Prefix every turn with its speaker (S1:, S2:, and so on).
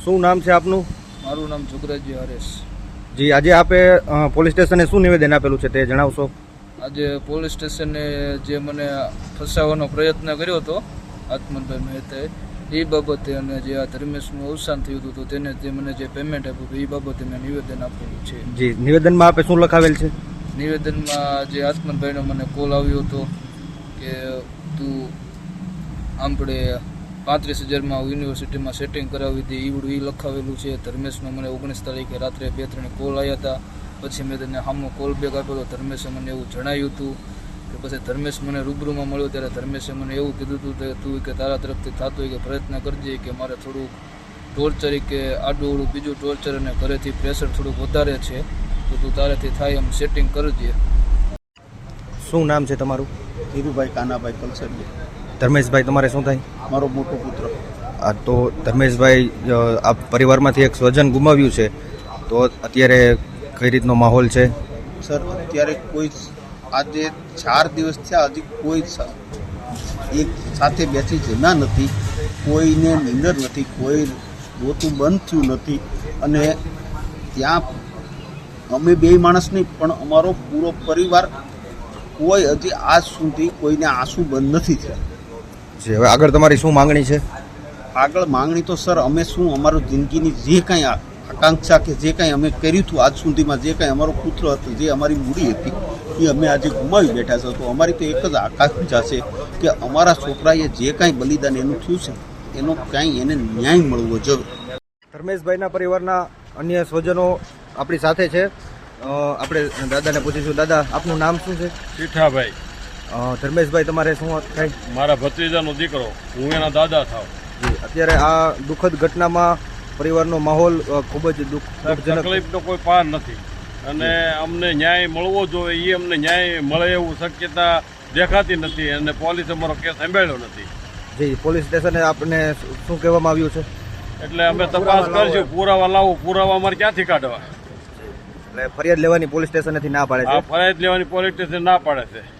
S1: શું નામ છે આપનું?
S2: મારું નામ જુગરાજી હરેશ.
S1: જી, આજે આપે પોલીસ સ્ટેશને શું નિવેદન આપેલું છે તે જણાવશો?
S2: આજે પોલીસ સ્ટેશને જે મને ફસાવવાનો પ્રયત્ન કર્યો હતો આત્મનભાઈ મહેતાએ, એ બાબતે અને જે આ ધર્મેશનું અવસાન થયું હતું તો તેને જે મને જે પેમેન્ટ આપ્યું હતું એ બાબતે મેં નિવેદન આપેલું છે.
S1: જી, નિવેદનમાં આપે શું લખાવેલ છે?
S2: નિવેદનમાં જે આત્મનભાઈનો મને કોલ આવ્યો હતો કે તું આપણે 35,000માં યુનિવર્સિટીમાં સેટિંગ કરાવી હતી એવડું એ લખાવેલું છે. ધર્મેશનો મને 19 તારીખે રાત્રે 2-3 કોલ આવ્યા હતા. પછી મેં તેને સામો કોલ બેક આપેલો. ધર્મેશે મને એવું જણાવ્યું હતું કે પછી ધર્મેશ મને રૂબરૂમાં મળ્યો ત્યારે ધર્મેશે મને એવું કીધું હતું કે તું કે તારા તરફથી થતું હોય કે પ્રયત્ન કરજે, કે મારે થોડુંક ટોર્ચર કે આડું બીજું ટોર્ચર અને ઘરેથી પ્રેશર થોડુંક વધારે છે તો તું તારેથી થાય એમ સેટિંગ કરજે.
S1: શું નામ છે તમારું?
S3: ધીરુભાઈ કાનાભાઈ કલસરિયા.
S1: ધર્મેશભાઈ તમારે શું થાય?
S3: મારો મોટો પુત્ર.
S1: તો ધર્મેશભાઈ, આ પરિવારમાંથી એક સ્વજન ગુમાવ્યું છે, તો અત્યારે કઈ રીતનો માહોલ છે?
S3: સર, અત્યારે કોઈ આજે 4 દિવસ થયા હજી કોઈ એક સાથે બેસી જમ્યા નથી, કોઈને નિંદર નથી, કોઈ રોતું બંધ થયું નથી. અને ત્યાં અમે 2 માણસ નહીં પણ અમારો પૂરો પરિવાર કોઈ હજી આજ સુધી કોઈને આંસુ બંધ નથી થયા.
S1: જી, હવે આગળ તમારી શું માંગણી છે?
S3: આગળ માંગણી તો સર અમે શું, અમારું જિંદગીની જે કાંઈ આકાંક્ષા કે જે કાંઈ અમે કર્યું હતું આજ સુધીમાં, જે કાંઈ અમારો પુત્ર હતો, જે અમારી મૂડી હતી એ અમે આજે ગુમાવી બેઠા છે. તો અમારી તો એક જ આકાંક્ષા છે કે અમારા છોકરાએ જે કાંઈ બલિદાન એનું થયું છે એનો કાંઈ એને ન્યાય મળવો જોઈએ.
S1: ધર્મેશભાઈના પરિવારના અન્ય સ્વજનો આપણી સાથે છે. આપણે દાદાને પૂછીશું. દાદા, આપનું નામ શું છે?
S4: સીઠાભાઈ.
S1: ધર્મેશભાઈ તમારે શું થાય?
S4: મારા ભત્રીજાનો દીકરો, હું એના દાદા થાવ.
S1: જી, અત્યારે આ દુઃખદ ઘટનામાં પરિવારનો માહોલ ખૂબ જ દુઃખજનક.
S4: તકલીફનો કોઈ પાર નથી અને અમને ન્યાય મળવો જોઈએ, એ અમને ન્યાય મળે એવું શક્યતા દેખાતી નથી અને પોલીસે અમારો કેસ સંભાળ્યો નથી.
S1: જી, પોલીસ સ્ટેશને આપને શું કહેવામાં આવ્યું છે?
S4: એટલે અમે તપાસ કરશું, પુરાવા લાવો. પુરાવા અમારે ક્યાંથી કાઢવા?
S1: એટલે ફરિયાદ લેવાની પોલીસ સ્ટેશનેથી ના પાડે છે.
S4: આ ફરિયાદ લેવાની પોલીસ સ્ટેશન ના પાડે છે.